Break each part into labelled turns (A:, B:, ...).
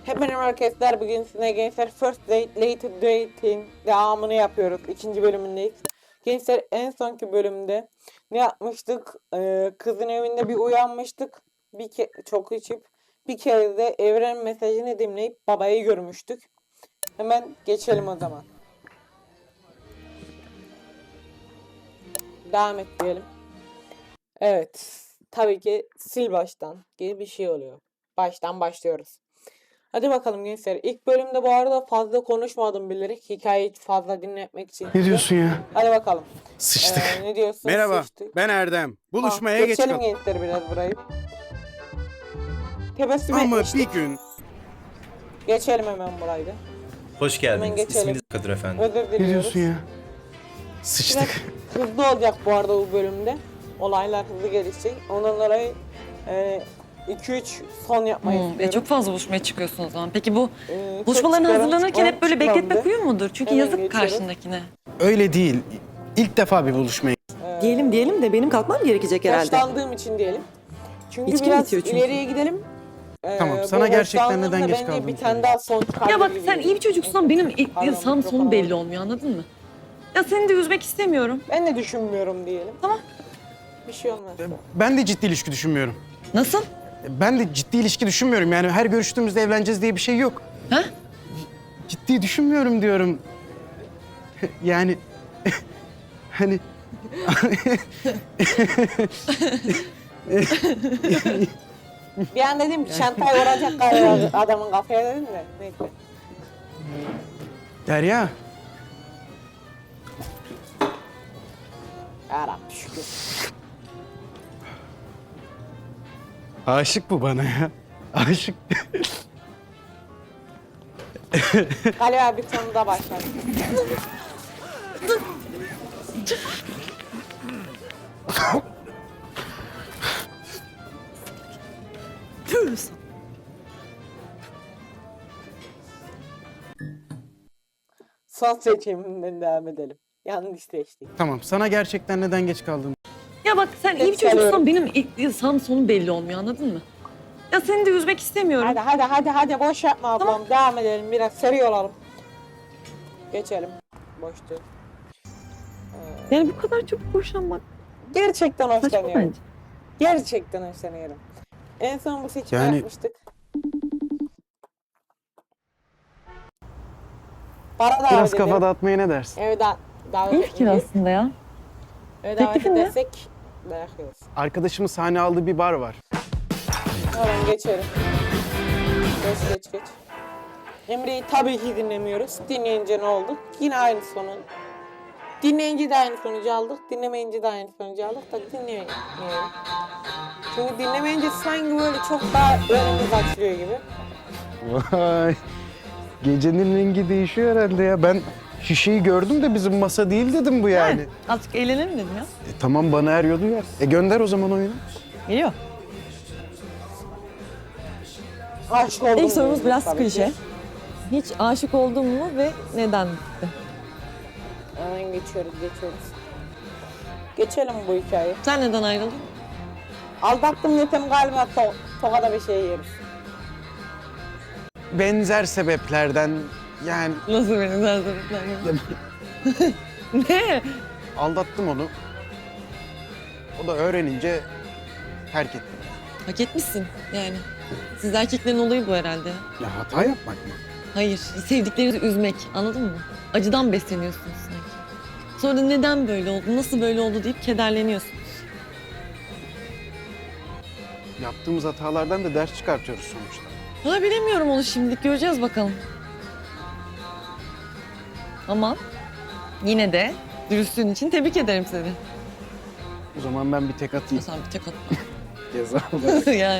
A: Hepinize arkadaşlar, bugün sizinle gençler First Date Later Date'in devamını yapıyoruz. 2. bölümündeyiz. Gençler en sonki bölümde ne yapmıştık? Kızın evinde bir uyanmıştık. Çok içip bir kere de evren mesajını dinleyip babayı görmüştük. Hemen geçelim o zaman. Devam et diyelim. Evet. Tabii ki sil baştan gibi bir şey oluyor. Baştan başlıyoruz. Hadi bakalım gençler. İlk bölümde bu arada fazla konuşmadım bilerek. Hikayeyi fazla dinletmek için.
B: Ne diyorsun ya?
A: Hadi bakalım.
B: Sıçtık.
A: Ne diyorsun?
C: Merhaba,
A: Sıçtık.
C: ben Erdem. Buluşmaya geç
A: Geçelim
C: kaldım.
A: gençler biraz burayı. Tebessüm
C: Ama
A: etmiştik.
C: bir gün
A: Geçelim hemen burayı da.
D: Hoş
A: Hemen
D: geldiniz.
A: geçelim.
D: İsminiz Kadir Efendi.
A: Özür
B: Ne
A: diliyoruz.
B: diyorsun ya?
A: Biraz
B: Sıçtık.
A: hızlı olacak bu arada bu bölümde. Olaylar hızlı gelişecek. Ondan dolayı 2-3 son yapmayı istiyorum.
E: Çok fazla buluşmaya çıkıyorsun o zaman. Peki bu
A: Çok
E: buluşmalarına
A: çıkarım,
E: hazırlanırken hep böyle
A: çıkmam
E: bekletmek
A: de.
E: uyum mudur? Çünkü
A: Hemen
E: yazık
A: geçiyorum.
E: karşındakine.
B: Öyle değil. İlk defa bir buluşmaya.
F: Diyelim de benim kalkmam gerekecek herhalde.
A: Hoşlandığım için diyelim. Çünkü
F: İçki
A: biraz
F: bitiyor çünkü.
A: ileriye gidelim.
B: Tamam,
A: Bu
B: sana gerçekten
A: hoşlandığımda
B: neden geç
A: bence
B: kaldığını
A: bir tane
B: söyle.
A: daha son çıkar.
E: Ya bak
A: gibi
E: sen
A: geliyor.
E: iyi bir çocuksan benim
A: Pardon,
E: sağım
A: mikrofonu
E: sonum belli
A: aldım.
E: olmuyor, anladın mı? Ya seni de üzmek istemiyorum.
A: Ben de düşünmüyorum diyelim.
E: Tamam.
A: Bir şey olmaz.
B: Ben de ciddi ilişki düşünmüyorum.
E: Nasıl?
B: Ben de ciddi ilişki düşünmüyorum. Yani her görüştüğümüzde evleneceğiz diye bir şey yok.
E: Ha?
B: Ciddi düşünmüyorum diyorum. Yani hani
A: Bir an dedim ki çantayı vuracak galiba adamın kafaya dedim de. Neyse.
B: Derya,
A: Yarabbim şükür.
B: aşık bu bana ya. Aşık.
A: Galiba bir konuda başladı. Son seçiminden devam edelim. Yanlış seçtik.
B: Tamam, sana gerçekten neden geç kaldığını.
E: Ya bak sen iyi bir
A: Seviyorum.
E: çocuksan benim sağım sonum belli olmuyor, anladın mı? Ya seni de üzmek istemiyorum.
A: Hadi boş yapma ablam. Devam edelim biraz seri olalım. Geçelim. Boştu.
E: Yani bu kadar çok boşanmak
A: Gerçekten
E: saçma
A: hoşlanıyorum.
E: bence.
A: Gerçekten hoşlanıyorum. En son bu seçimi
B: Yani-
A: yapmıştık. Para davet
B: Biraz
A: edelim.
B: kafa dağıtmaya ne dersin?
A: Evet davet
E: İyi fikir
A: etmeyeceğiz.
E: aslında ya.
A: Evet davet
E: Teklifin ne?
A: edersek dayak yiyoruz.
B: Arkadaşımın sahne aldığı bir bar var.
A: Hemen geçelim. Geç. Emre'yi tabii ki dinlemiyoruz. Dinleyince ne oldu? Yine aynı sonu. Dinleyince de aynı sonucu aldık. Dinlemeyince de aynı sonucu aldık. Tabii dinlemeyelim. Çünkü dinlemeyince sanki böyle çok daha önümüz açılıyor gibi.
B: Vay. Gecenin rengi değişiyor herhalde ya. Ben şişeyi gördüm de bizim masa değil dedim bu yani.
E: Evet, azıcık eğlenelim dedim ya.
B: Tamam bana eriyordu yer. Gönder o zaman oyunu.
E: Geliyor.
A: Aşk oldum.
F: İlk sorumuz
A: diyoruz
F: biraz
A: tabii ki.
F: klişe. Hiç aşık oldun mu ve neden?
A: Hemen geçiyoruz. Geçelim bu hikayeyi.
E: Sen neden ayrıldın?
A: Aldattım yetem galiba tokada bir şey yeriz.
B: Benzer sebeplerden yani
E: Nasıl benim zaten? Ne?
B: aldattım onu. O da öğrenince terk etti.
E: Hak etmişsin yani. Siz erkeklerin olayı bu herhalde.
B: Ya hata yapmak mı?
E: Hayır, sevdiklerinizi üzmek, anladın mı? Acıdan besleniyorsunuz sanki. Sonra da neden böyle oldu, nasıl böyle oldu deyip kederleniyorsunuz.
B: Yaptığımız hatalardan da ders çıkartıyoruz sonuçta.
E: Valla bilemiyorum onu şimdilik, göreceğiz bakalım. Ama yine de dürüstlüğün için tebrik ederim seni.
B: O zaman ben bir tek atayım.
E: Sen bir tek atma.
B: Ceza.
E: Yani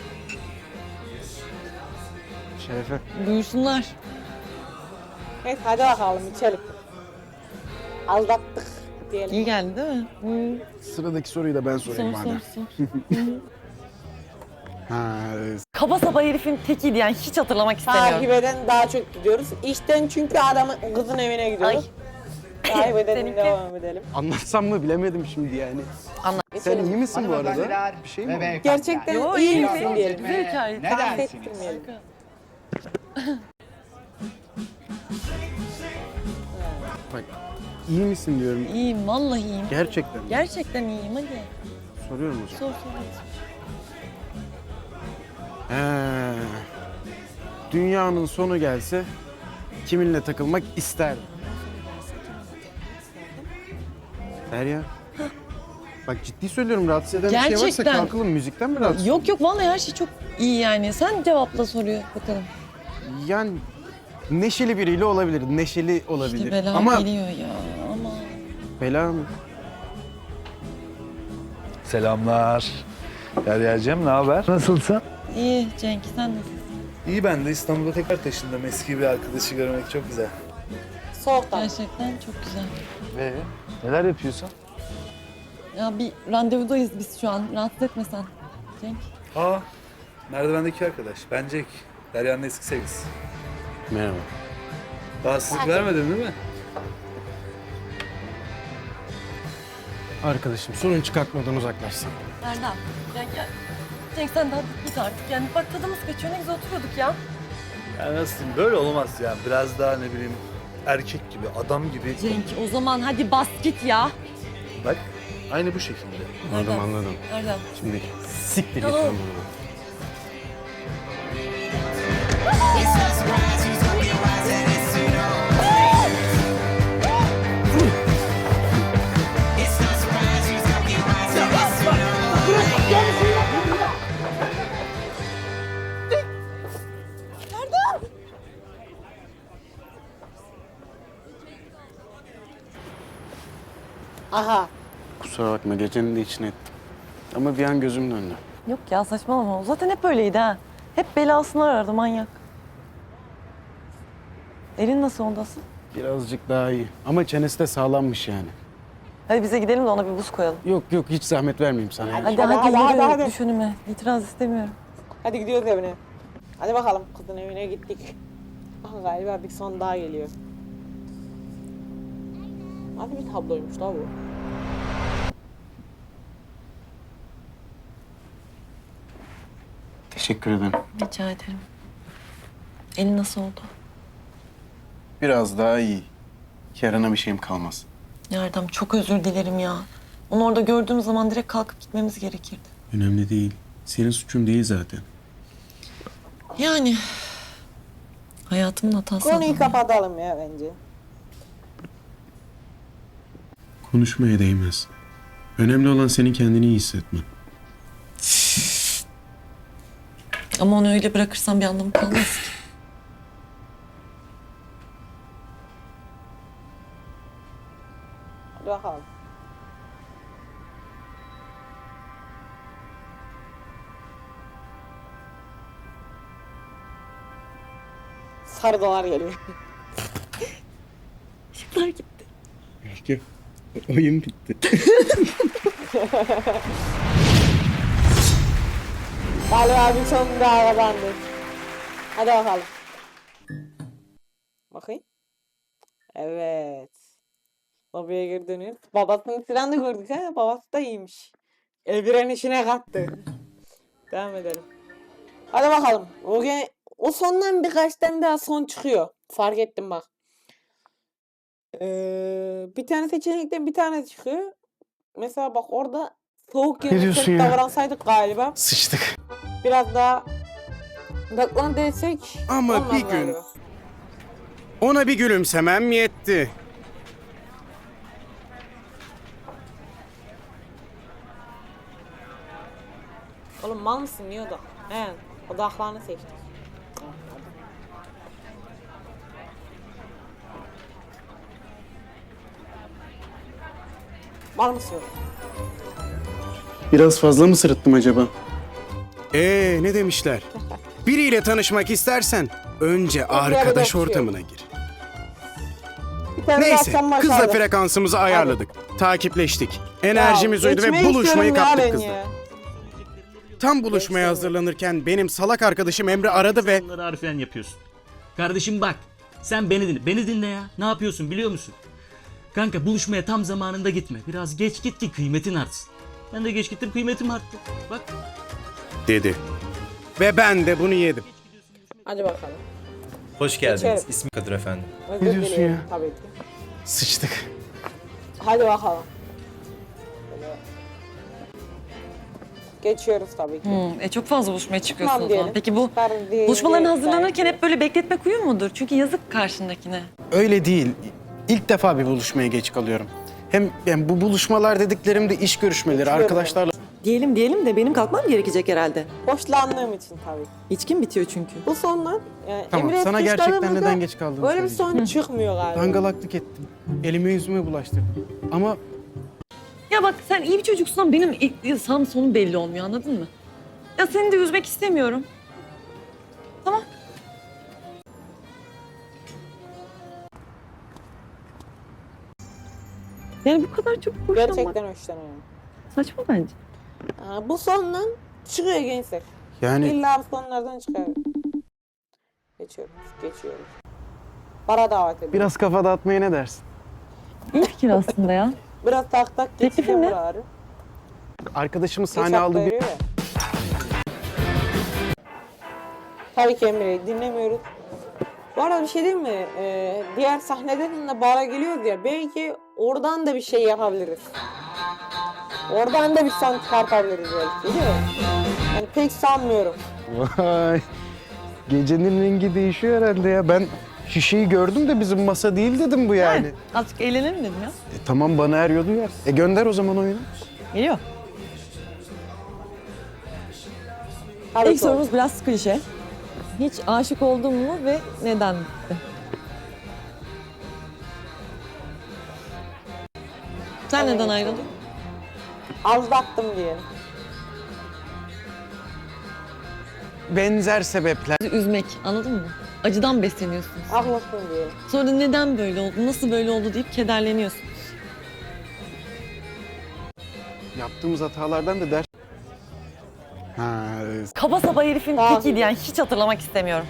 B: Şerefe.
E: buyursunlar.
A: Neyse hadi bakalım içelim. Aldattık diyelim.
E: İyi geldi değil mi?
B: Sıradaki soruyu da ben sorayım
E: Sor
B: madem.
E: sor.
B: Ha,
E: Kaba saba herifin tekiydi yani, hiç hatırlamak
A: Takip
E: istemiyorum.
A: eden daha çok gidiyoruz. İşten çünkü adamın kızın evine gidiyoruz. Takip edelim
E: Seninki?
A: devam edelim.
B: anlatsam mı bilemedim şimdi yani. Sen iyi misin bu arada? Bir şey mi?
C: hanımefendiler
A: Gerçekten
E: Yo,
A: iyi
E: iyi
A: misin diyelim.
E: Güzel hikaye.
C: Ne
A: Tahmin
C: dersiniz?
A: ettirmeyelim.
B: Bak iyi misin diyorum.
E: İyiyim, vallahi iyiyim.
B: Gerçekten.
E: Gerçekten iyiyim, hadi.
B: Soruyorum hocam.
E: Sor sor.
B: He. Dünyanın sonu gelse kiminle takılmak isterdin? Derya. Bak ciddi söylüyorum, rahatsız eden bir şey varsa
E: Gerçekten.
B: kalkalım, müzikten mi rahatsız?
E: Yok yok, vallahi her şey çok iyi yani. Sen cevapla soruyor bakalım.
B: Yani neşeli biriyle olabilir, neşeli olabilir.
E: İşte bela
B: Ama
E: geliyor ya, ama.
B: bela mı?
C: Selamlar. Derya'cığım ne haber? Nasılsın?
E: İyi Cenk, sen nasılsın?
C: İyi, ben de İstanbul'a tekrar taşındım. Eski bir arkadaşı görmek çok güzel.
A: Soğuktan.
E: Gerçekten çok güzel.
C: Ve neler yapıyorsun?
E: Ya bir randevudayız biz şu an. Rahatsız etme sen Cenk.
C: Aa, merdivendeki arkadaş. Ben Jack. Derya'nın eski sevgilisi.
B: Merhaba.
C: Rahatsızlık vermedin değil mi?
B: Arkadaşım sorun çıkartmadan uzaklaşsın.
E: Erdem, Cenk ya. Cenk sen de hadi git artık. Yani bak tadımız kaçıyor, ne güzel oturuyorduk ya.
C: Ya nasıl diyeyim, böyle olmaz yani. Biraz daha ne bileyim erkek gibi, adam gibi.
E: Cenk o zaman hadi bas git ya.
C: Bak, aynı bu şekilde.
B: Anladım anladım.
E: Erdem.
B: Şimdi siktir git
E: Tamam.
B: lan buradan.
A: Aha.
B: Kusura bakma, gecenin de içine ettim. Ama bir an gözüm döndü.
F: Yok ya saçmalama. O zaten hep öyleydi ha. Hep belasını arardı manyak. Elin nasıl ondasın?
B: Birazcık daha iyi. Ama çenesi de sağlammış yani.
F: Hadi bize gidelim de ona bir buz koyalım.
B: Yok yok, hiç zahmet vermeyeyim sana. ya.
F: Hadi
A: Hadi,
F: hadi,
A: hadi,
F: yürü.
A: hadi.
F: Düş önüme. İtiraz istemiyorum.
A: Hadi gidiyoruz evine. Hadi bakalım, kızın evine gittik. Aha, galiba bir son daha geliyor. Hadi bir tabloymuş la bu.
B: Teşekkür ederim.
F: Rica ederim. Elin nasıl oldu?
B: Biraz daha iyi. Yarına bir şeyim kalmaz.
F: Ya Erdem çok özür dilerim ya. Onu orada gördüğüm zaman direkt kalkıp gitmemiz gerekirdi.
B: Önemli değil. Senin suçun değil zaten.
F: Yani hayatımın hatası.
A: Konuyu
F: adam ya.
A: kapatalım ya bence.
B: Konuşmaya değmez. Önemli olan senin kendini iyi hissetmen.
F: Ama onu öyle bırakırsam bir anlamı kalmaz ki.
A: Hadi bakalım. Sarı dolar geliyor.
F: Işıklar gitti.
B: Peki. Oyun bitti.
A: Galiba bir son daha kazandık. Hadi bakalım. Bakayım. Evet. Lobiye geri dönüyoruz. Babasının silahını gördük ha. Babası da iyiymiş. Evren işine kattı. Devam edelim. Hadi bakalım. O sondan birkaç tane daha son çıkıyor. Fark ettim bak. Bir tane seçenekten bir tane çıkıyor. Mesela bak orada soğuk
B: Ne
A: yerine
B: diyorsun
A: sert
B: ya?
A: davransaydık galiba.
B: Sıçtık.
A: Biraz daha odaklan desek.
B: Ama
A: olmaz
B: bir gün-
A: galiba.
B: Ona bir gülümsemem yetti.
A: Oğlum mal mısın? Niye odak? He, odaklarını seçtik. Mal mısın?
B: Biraz fazla mı sırıttım acaba? Ne demişler? Biriyle tanışmak istersen önce arkadaş
A: şey yok.
B: ortamına gir.
A: Bir tane
B: Neyse,
A: akşam
B: kızla
A: başladı.
B: frekansımızı ayarladık. Takipleştik. Enerjimiz
A: Ya,
B: uydu ve
A: geçmeyi
B: buluşmayı
A: istiyorum ya
B: kaptık
A: ben
B: kızla.
A: ya.
B: Tam buluşmaya hazırlanırken benim salak arkadaşım Emre aradı ve
D: Bunları harfiyen yapıyorsun. Kardeşim bak, sen beni dinle. Beni dinle ya. Ne yapıyorsun biliyor musun? Kanka buluşmaya tam zamanında gitme. Biraz geç git ki kıymetin artsın. Ben de geç gittim, kıymetim arttı. Bak.
B: dedi. Ve ben de bunu yedim.
A: Hadi bakalım.
G: Hoş geldiniz.
A: Geçelim.
G: İsmim Kadir efendim.
A: Özür
B: Ne diyorsun
A: dilerim
B: ya?
A: tabii ki.
B: Sıçtık.
A: Hadi bakalım. Böyle. Geçiyoruz tabii ki.
E: Çok fazla buluşmaya çıkıyorsun
A: Tamam
E: o zaman.
A: diyelim.
E: Peki bu
A: Çıkar diye-
E: buluşmalarına
A: diye-
E: hazırlanırken
A: diye.
E: hep böyle bekletmek uyum mudur? Çünkü yazık karşındakine.
B: Öyle değil. İlk defa bir buluşmaya geç kalıyorum. Hem yani bu buluşmalar dediklerim de iş görüşmeleri,
A: Geçiyorum.
B: arkadaşlarla.
F: Diyelim de benim kalkmam gerekecek herhalde.
A: Hoşlandığım için tabii.
F: İçkim bitiyor çünkü.
A: Bu sondan yani
B: Tamam,
A: Emre
B: sana
A: suçladığımızda
B: gerçekten neden geç kaldığını
A: böyle bir
B: söyleyeceğim.
A: son çıkmıyor galiba.
B: Dangalaklık ettim. Elime yüzüme bulaştırdım. Ama
E: Ya bak sen iyi bir çocuksun ama benim ilk sağım sonum belli olmuyor, anladın mı? Ya seni de üzmek istemiyorum. Tamam. Yani bu kadar çok hoşlanmak
A: Gerçekten hoşlanıyorum.
E: saçma bence.
A: Bu sondan çıkıyor gençler.
B: yani
A: İlla bu sonlardan çıkıyor. Geçiyoruz. Para davet ediyorum.
B: biraz kafa dağıtmaya ne dersin?
E: İyi fikir aslında ya.
A: Biraz tak tak
E: Teklifin
A: geçeceğim
E: ne?
A: buraları.
B: Arkadaşımı
A: Geç
B: sahne
A: hafta
B: aldı bir...
A: veriyor ya. Tabii ki Emre'yi dinlemiyoruz. Bu arada bir şey değil mi? Diğer sahneden de bara geliyoruz ya. Belki oradan da bir şey yapabiliriz. Oradan da bir son çıkartabiliriz belki, değil mi? Yani pek sanmıyorum.
B: Vay. Gecenin rengi değişiyor herhalde ya. Ben şişeyi gördüm de bizim masa değil dedim bu yani.
E: Azıcık eğlenelim dedim ya.
B: Tamam, bana eriyor duyar. Gönder o zaman oyunu.
E: Geliyor.
A: Tabii
F: İlk
A: ki
F: sorumuz biraz klişe. Hiç aşık oldun mu ve neden?
E: Sen
A: Evet.
E: neden ayrıldın?
A: aldattım diyelim.
B: Benzer sebepler.
E: Üzmek, anladın mı? Acıdan besleniyorsunuz.
A: Haklısın diyelim.
E: Sonra da neden böyle oldu, nasıl böyle oldu deyip kederleniyorsunuz.
B: Yaptığımız hatalardan da ders... Ha,
F: Kaba saba herifin
A: Daha
F: tekiydi yani hiç hatırlamak istemiyorum.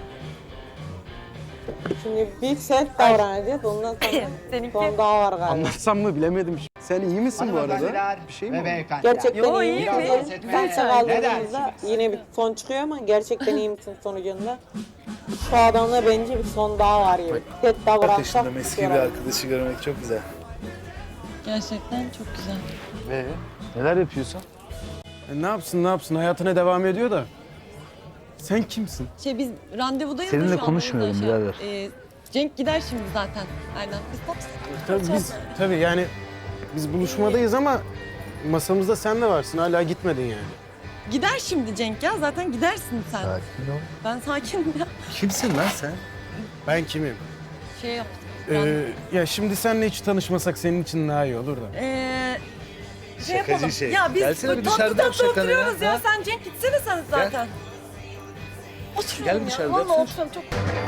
A: Şimdi bir set davranacağız. Ondan sonra
F: Seninki-
A: son daha var galiba.
B: anlatsam mı bilemedim. Sen iyi misin bu arada? Bir şey mi oldu?
A: Gerçekten
F: Yo,
A: iyi
F: iyi
A: misin?
F: mi?
A: Güzel kaldırdığımızda yine bir son çıkıyor ama gerçekten iyi misin sonucunda? Şu adamda bence bir son daha var gibi. Set davransak
C: Arkadaşından eski bir arkadaşı görmek çok güzel.
E: Gerçekten çok güzel.
C: Neler yapıyorsun?
B: Ne yapsın hayatına devam ediyor da. Sen kimsin?
E: Biz randevudayız
C: Seninle
E: da şu an,
C: konuşmayalım
E: o yüzden
C: birader.
E: Cenk gider şimdi zaten. Aynen. Biz
B: Tabii yani biz buluşmadayız ama masamızda sen de varsın. Hala gitmedin yani.
E: Gider şimdi Cenk ya. Zaten gidersin sen.
C: Sakin ol.
E: Ben sakinim ya.
C: Kimsin lan sen?
B: Ben kimim?
E: Şey yaptım.
B: Ya şimdi seninle hiç tanışmasak senin için daha iyi olur da.
E: Şey
C: Şakacı
E: yapalım.
C: şey.
E: Ya biz
C: Gelsene bir
E: tatlı
C: dışarıda
E: tatlı
C: yap şakanı
E: oturuyoruz ya.
C: ya.
E: Sen Cenk gitsene sen zaten. Oturuyorum
C: Gel
E: ya.
C: dışarıda
E: Vallahi
C: otur.
E: oturuyorum çok.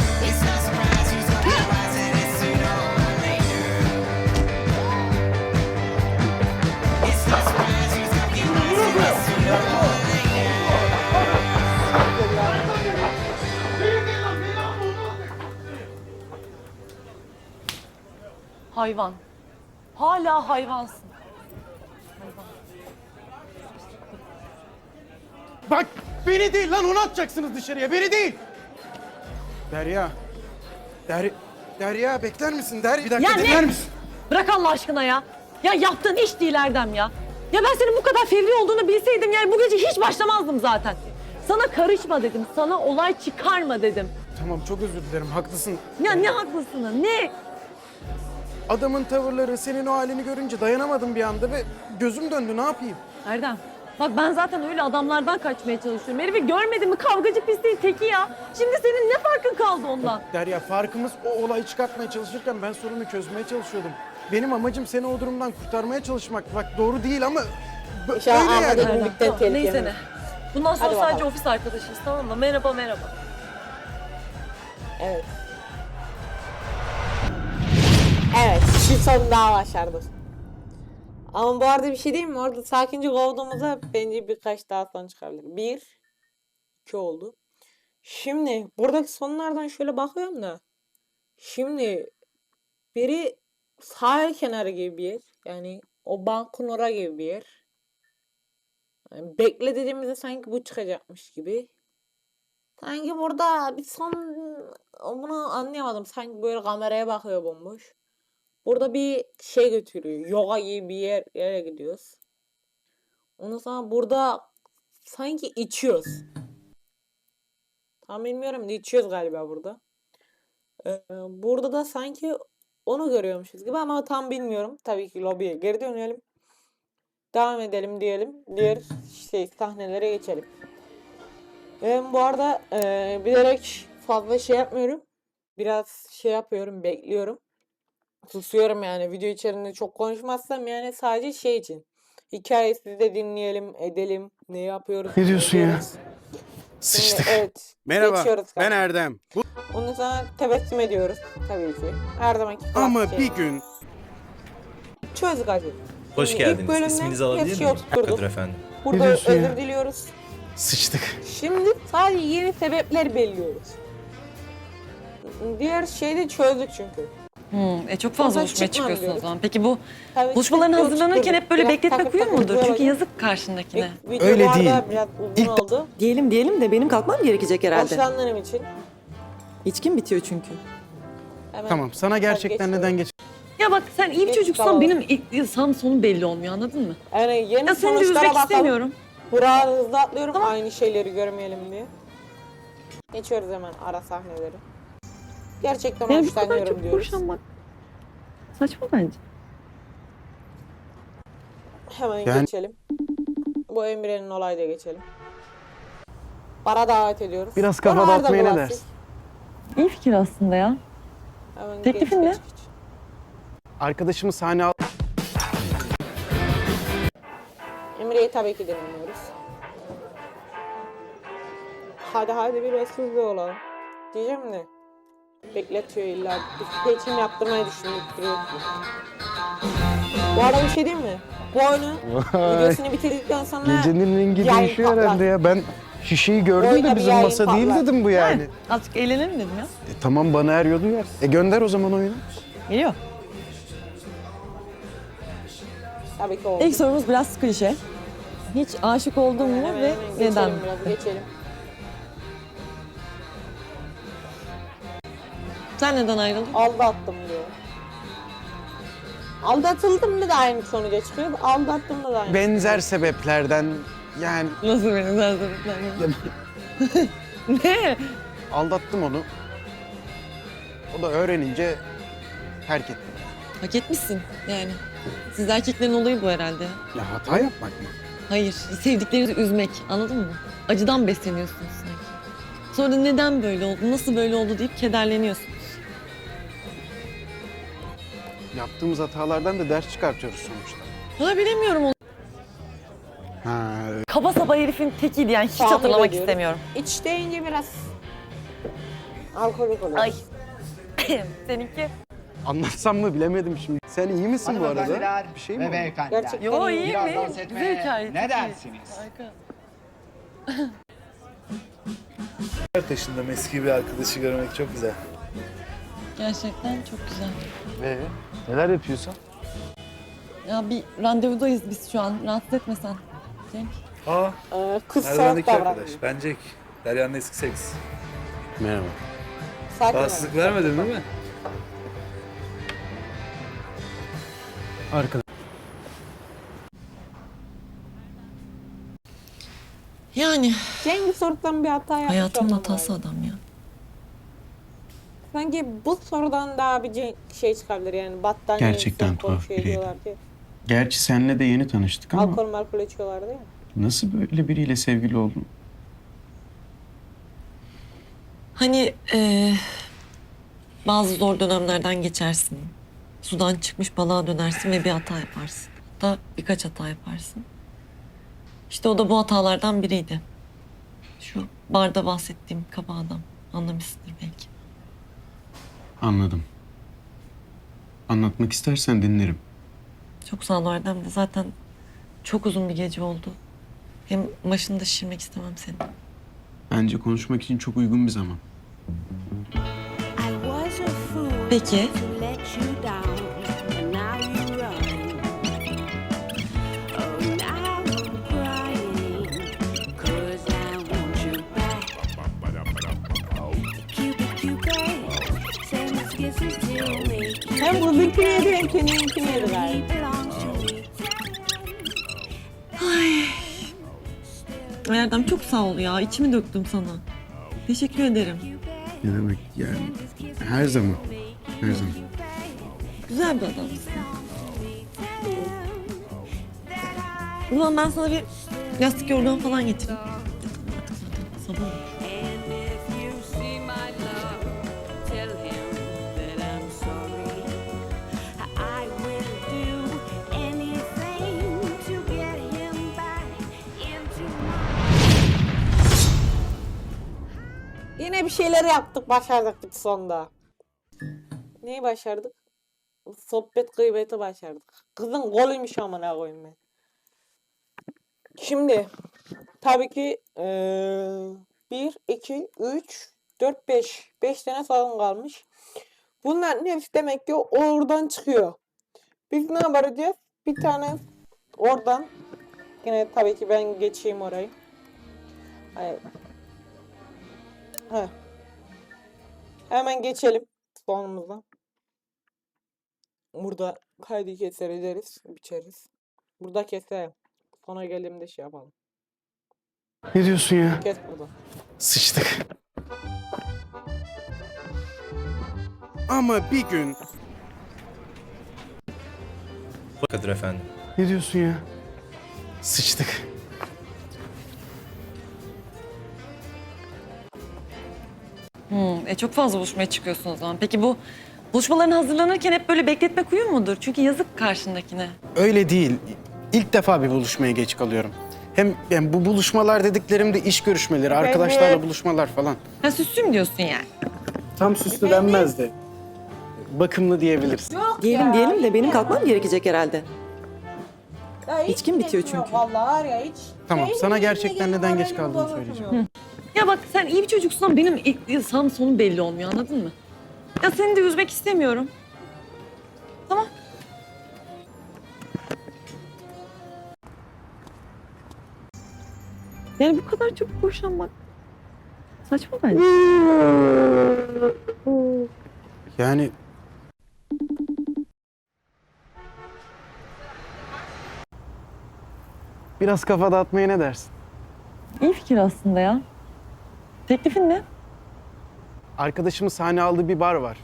E: Hayvan. Hala hayvansın.
B: Bak beni değil lan, onu atacaksınız dışarıya, beni değil. Derya. Derya bekler misin? Bir dakika
F: Ya ne?
B: dinler misin?
F: Bırak Allah aşkına ya. Ya yaptığın iş değil Erdem ya. Ya ben senin bu kadar fevri olduğunu bilseydim yani bu gece hiç başlamazdım zaten. Sana karışma dedim. Sana olay çıkarma dedim.
B: Tamam, çok özür dilerim, haklısın.
F: Ya ne haklısın ne?
B: Adamın tavırları, senin o halini görünce dayanamadım bir anda ve gözüm döndü, ne yapayım?
F: Erdem bak ben zaten öyle adamlardan kaçmaya çalışıyorum. Herifi görmedin mi kavgacı pisliğin teki ya. Şimdi senin ne farkın kaldı ondan?
B: Derya, farkımız o olayı çıkartmaya çalışırken ben sorunu çözmeye çalışıyordum. Benim amacım seni o durumdan kurtarmaya çalışmak. Bak doğru değil ama
A: İnşallah
B: öyle yani.
A: Ahmet'in
F: Erdem,
A: birlikte
F: tamam,
A: tehlikeli.
F: neyse ne. Bundan sonra
A: Hadi
F: sadece
A: bakalım.
F: ofis arkadaşıyız tamam mı? Merhaba merhaba.
A: Evet. Evet, bir son daha başardık. Ama bu arada bir şey diyeyim mi? Orada sakince kovduğumuzda bence birkaç daha son çıkabilir. 1, 2 oldu. Şimdi buradaki sonlardan şöyle bakıyorum da. Şimdi biri sahil kenarı gibi bir yer. Yani o bankın ora gibi bir yer. Yani bekle dediğimizde sanki bu çıkacakmış gibi. Sanki burada bir son bunu anlayamadım. Sanki böyle kameraya bakıyor bomboş. Burada bir şey götürüyor. Yoga gibi bir yere gidiyoruz. Ondan sonra burada sanki içiyoruz. Tam bilmiyorum da içiyoruz galiba burada. Burada da sanki onu görüyormuşuz gibi ama tam bilmiyorum. Tabii ki lobiye geri dönelim. Devam edelim diyelim. Diğer sahnelere geçelim. Bu arada bilerek fazla şey yapmıyorum. Biraz şey yapıyorum, bekliyorum. Susuyorum yani video içerisinde çok konuşmazsam yani sadece şey için. Hikayesini de dinleyelim, edelim. Ne yapıyoruz?
B: Ne diyorsun ya?
A: ediyoruz.
B: Sıçtık.
A: Evet.
H: Merhaba,
A: geçiyoruz
H: ben
A: galiba.
H: Erdem.
A: Ondan sonra tebessüm ediyoruz tabii ki. Her zamanki
H: Ama
A: klasik şey.
H: bir gün
A: Çözdük hadi.
G: Hoş
A: Şimdi ilk
G: geldiniz.
A: bölümde
G: İsminizi
A: her
G: alabilir
A: şeyi
G: miyim?
A: oturtturduk.
G: Kadir efendim.
A: Burada
B: diyorsun ya?
A: özür diliyoruz.
B: Sıçtık.
A: Şimdi sadece yeni sebepler belirliyoruz. Diğer şeyi de çözdük çünkü.
E: Çok fazla
A: Sonra
E: buluşmaya
A: çıkmam
E: çıkıyorsun o
A: diyoruz.
E: zaman. Peki bu
A: Tabii
E: buluşmaların
A: çıkıyoruz,
E: hazırlanırken
A: çıkıyoruz.
E: hep böyle
A: Biraz
E: bekletmek
A: takır
E: uyuyor
A: takır
E: mudur? Çünkü
A: böyle.
E: yazık karşındakine.
A: Video
B: Öyle
A: bu arada
B: değil.
A: biraz uzun oldu.
F: Diyelim de benim kalkmam gerekecek herhalde.
A: Hoşlandığım için.
F: İçkim bitiyor çünkü.
A: Hemen
B: Tamam, sana gerçekten
A: geçiyorum.
B: neden geç...
F: Ya bak sen iyi bir
A: Geç
F: çocuksan
A: kalalım.
F: benim sağım sonum belli olmuyor anladın mı?
A: Yani yeni
F: Ya seni de
A: sonuçlara
F: üzmek
A: bakalım.
F: istemiyorum.
A: Buraya hızlı atlıyorum aynı şeyleri görmeyelim diye. Geçiyoruz hemen ara sahneleri. Gerçekten
F: Yani bu kadar
A: hoşlanıyorum
F: çok
A: diyoruz.
F: boşanmak saçma bence.
A: Hemen
B: Yani-
A: geçelim. Bu Emre'nin olayda geçelim. Bara davet ediyoruz.
B: Biraz kafa
A: Oralarda
B: dağıtmaya ne
A: bulaştık.
B: dersin?
F: İyi fikir aslında ya.
A: Hemen
F: Teklifin ne?
A: geç.
B: Arkadaşımı sahne al...
A: Emre'yi tabii ki dinliyoruz. Hadi biraz hızlı olalım. Diyeceğim de. Bekletiyor illa. Bir seçim yaptırmayı düşünüp duruyor. Bu arada bir şey diyeyim mi? Bu oyunun
B: Vay.
A: videosunu bitirdikten sonra
B: Gecenin rengi
A: yayın
B: değişiyor
A: patlar.
B: herhalde ya. Ben şişeyi gördüm
A: Oyuna
B: de
A: bir
B: bizim
A: yayın
B: masa değil
A: patlar.
B: dedim bu yani.
F: Azıcık eğlenelim dedim ya.
B: Tamam, bana eriyor duyar. Gönder o zaman oyunu.
F: Geliyor.
A: tabii ki oldu.
F: İlk sorumuz biraz klişe. Hiç aşık oldun mu
A: Hemen
F: ve
A: hemen
F: neden?
A: geçelim biraz, geçelim.
F: Sen neden ayrıldın?
A: Aldattım diyor. Aldatıldım da aynı sonuca çıkıyor. Aldattım da aynı.
B: Benzer sebeplerden yani
F: Nasıl benim sebepler? Ne?
B: aldattım onu. O da öğrenince terk etti.
E: Hak etmişsin yani. Siz erkeklerin olayı bu herhalde.
B: Ya hata yapmak mı?
E: Hayır, sevdiklerinizi üzmek. Anladın mı? Acıdan besleniyorsunuz sanki. Sonra da neden böyle oldu, nasıl böyle oldu deyip kederleniyorsunuz.
B: Yaptığımız hatalardan da ders çıkartıyoruz sonuçta.
E: Valla bilemiyorum onu.
B: Ha,
F: Kaba saba herifin tekiydi yani hiç
A: Tahmin
F: hatırlamak
A: ediyorum.
F: istemiyorum.
A: İç deyince biraz alkolik oluyor.
F: Ay. Seninki?
B: anlatsam mı bilemedim şimdi. Sen iyi misin bu arada?
I: Hanımefendiler
B: Bir şey mi
I: ve
B: oldu?
I: beyefendiler.
A: Gerçekten
F: Yo
A: iyi.
F: iyi
I: Biraz
F: mi?
I: dans
F: Güzel
I: etmeye
F: hikaye.
I: ne
F: çok iyi.
I: dersiniz?
F: Harika.
C: Taşındım, eski bir arkadaşı görmek çok güzel.
E: Gerçekten çok güzel.
B: Neler yapıyorsun?
E: Ya bir randevudayız biz şu an. Rahatsız etmesen. Cenk.
C: Aa,
A: Kız soğuk
C: Erdoğan'daki
A: davranıyor.
C: arkadaş. Ben Jack. Derya'nın eski seks.
B: Merhaba.
A: Sakin ol.
C: Rahatsızlık vermedin değil mi?
B: Arkadaş.
E: Yani
A: Cengiz sorudan bir hata yapmış.
E: hayatımın
A: olmam
E: hatası
A: lazım.
E: adam ya.
A: Sanki bu sorudan daha bir şey çıkabilir yani battaniye
B: Gerçekten
A: insan
B: tuhaf
A: konuşuyor
B: biriydi.
A: diyorlar ki.
B: Gerçi seninle de yeni tanıştık ama
A: Alkol içiyorlardı ya.
B: nasıl böyle biriyle sevgili oldun?
E: Hani bazı zor dönemlerden geçersin. Sudan çıkmış balığa dönersin ve bir hata yaparsın. Hatta birkaç hata yaparsın. İşte o da bu hatalardan biriydi. Şu barda bahsettiğim kaba adam. Anlamışsındır belki.
B: Anladım. Anlatmak istersen dinlerim.
E: Çok sağ ol Erdem de zaten çok uzun bir gece oldu. Hem başını da şişirmek istemem senin.
B: Bence konuşmak için çok uygun bir zaman.
E: Peki.
A: Hem kızınkini yedi hem kendininkini yedi galiba.
E: Ay Erdem çok sağ ol ya. İçimi döktüm sana. Teşekkür ederim.
B: Ne demek yani? Her zaman. Her zaman.
E: Güzel bir adamsın. O zaman ben sana bir yastık yorgan falan getireyim. Artık zaten sabah oldu.
A: Yine bir şeyler yaptık, başardık biz sonunda. Neyi başardık? Sohbet gıybeti başardık. Kızın golüymüş amına koyayım ben. Şimdi tabii ki 1, 2, 3, 4, 5. 5 tane salon kalmış. Bunların hepsi demek ki oradan çıkıyor. Biz ne yapacağız? Bir tane oradan. Yine tabii ki ben geçeyim orayı. Hayır. Heh. Hemen geçelim sonumuza. Burada kaydı keser ederiz, biçeriz. Burada keselim. Sona geldiğimde şey yapalım.
B: Ne diyorsun ya?
A: Kes burada.
B: Sıçtık. Ama bir gün...
G: Kadir efendim.
B: Ne diyorsun ya? Sıçtık.
E: Çok fazla buluşmaya çıkıyorsun o zaman. Peki bu buluşmaların hazırlanırken hep böyle bekletmek uyum mudur? Çünkü yazık karşındakine.
B: Öyle değil. İlk defa bir buluşmaya geç kalıyorum. Hem yani bu buluşmalar dediklerim de iş görüşmeleri, arkadaşlarla buluşmalar falan.
E: Ha süslüm diyorsun yani.
B: Tam süslü denmez de. Bakımlı diyebiliriz.
F: Diyelim de benim kalkmam gerekecek herhalde.
A: Ya hiç
F: İçkim bitiyor
A: geçmiyor
F: çünkü.
A: Vallahi var ya hiç.
B: Tamam,
A: Benim
B: sana
A: yerine
B: gerçekten
A: gelip
B: neden geç
A: moralimi
B: kaldığını
A: bozmuyor.
B: söyleyeceğim.
E: Ya bak sen iyi bir çocuksun ama benim sağım sonum belli olmuyor anladın mı? Ya seni de üzmek istemiyorum. Tamam. Yani bu kadar çok boşanmak saçma bence.
B: Yani... Biraz kafa dağıtmaya ne dersin?
E: İyi fikir aslında ya. Teklifin ne?
B: Arkadaşımın sahne aldığı bir bar var.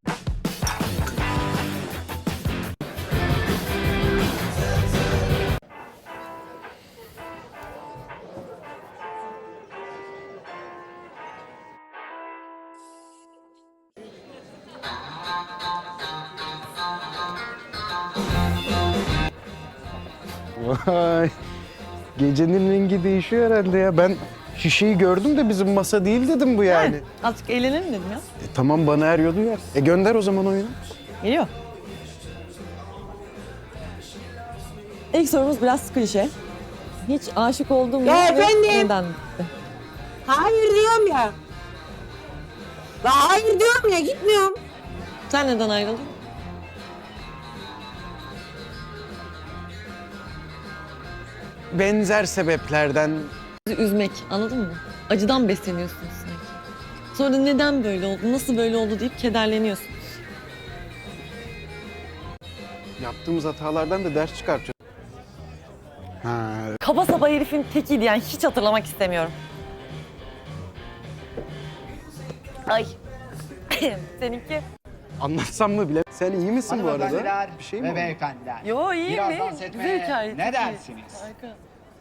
B: Vay. Gecenin rengi değişiyor herhalde ya. Ben şişeyi gördüm de bizim masa değil dedim bu yani.
E: Azıcık eğlenelim dedim ya.
B: Tamam bana eriyor duyar. Gönder o zaman oyunu.
F: Geliyor. İlk sorumuz biraz klişe. Hiç aşık oldun mu?
A: Ya
F: ve
A: efendim?
F: Neden?
A: Hayır diyorum ya. La hayır diyorum ya gitmiyorum.
E: Sen neden ayrıldın?
B: Benzer sebeplerden
E: Bizi üzmek anladın mı? Acıdan besleniyorsunuz sanki. Sonra neden böyle oldu, nasıl böyle oldu deyip kederleniyorsunuz.
B: yaptığımız hatalardan da ders çıkartacağız. Ha,
E: Kaba saba herifin tekiydi yani hiç hatırlamak istemiyorum. Ay. Seninki?
B: anlatsam mı bile. Sen iyi misin bu arada?
H: Hanımefendiler
B: Bir şey mi
H: ve
B: oldu?
H: beyefendiler.
E: Yo iyiyim
H: Biraz
E: iyiyim.
H: dans
E: Güzel
H: etmeye
E: hikaye.
H: ne
E: çok iyi.
H: dersiniz?
E: Harika.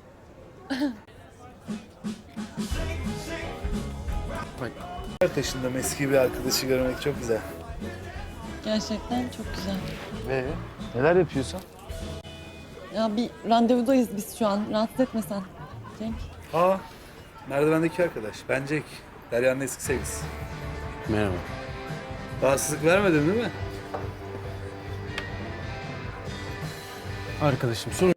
C: Taşında eski bir arkadaşı görmek çok güzel.
E: Gerçekten çok güzel.
B: Neler yapıyorsun?
E: Ya bir randevudayız biz şu an. Rahatsız etme sen. Cenk.
C: Aa, merdivendeki arkadaş. Ben Jack. Derya'nın eski sevgilisi.
B: Merhaba.
C: Rahatsızlık vermedin değil mi?
B: Arkadaşım sorun.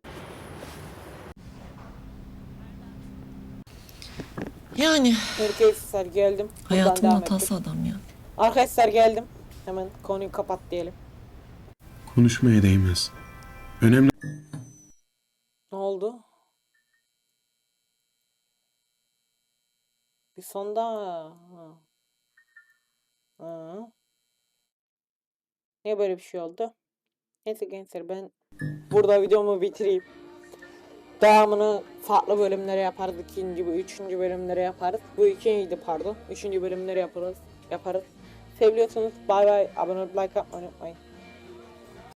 E: Yani
A: Arkadaşlar geldim. Buradan
E: hayatımın
A: devam
E: hatası
A: ettim.
E: adam ya.
A: Arkadaşlar geldim. Hemen konuyu kapat diyelim.
B: Konuşmaya değmez. Önemli
A: Ne oldu? Bir sonda. Ha. Ha. Niye böyle bir şey oldu? Neyse gençler, ben burada videomu bitireyim. Devamını farklı bölümlere yaparız. İkinci ve üçüncü bölümlere yaparız. Bu ikinciydi pardon. Üçüncü bölümleri yaparız. Seviyorsanız bay bay. Abone olup like atmayı unutmayın.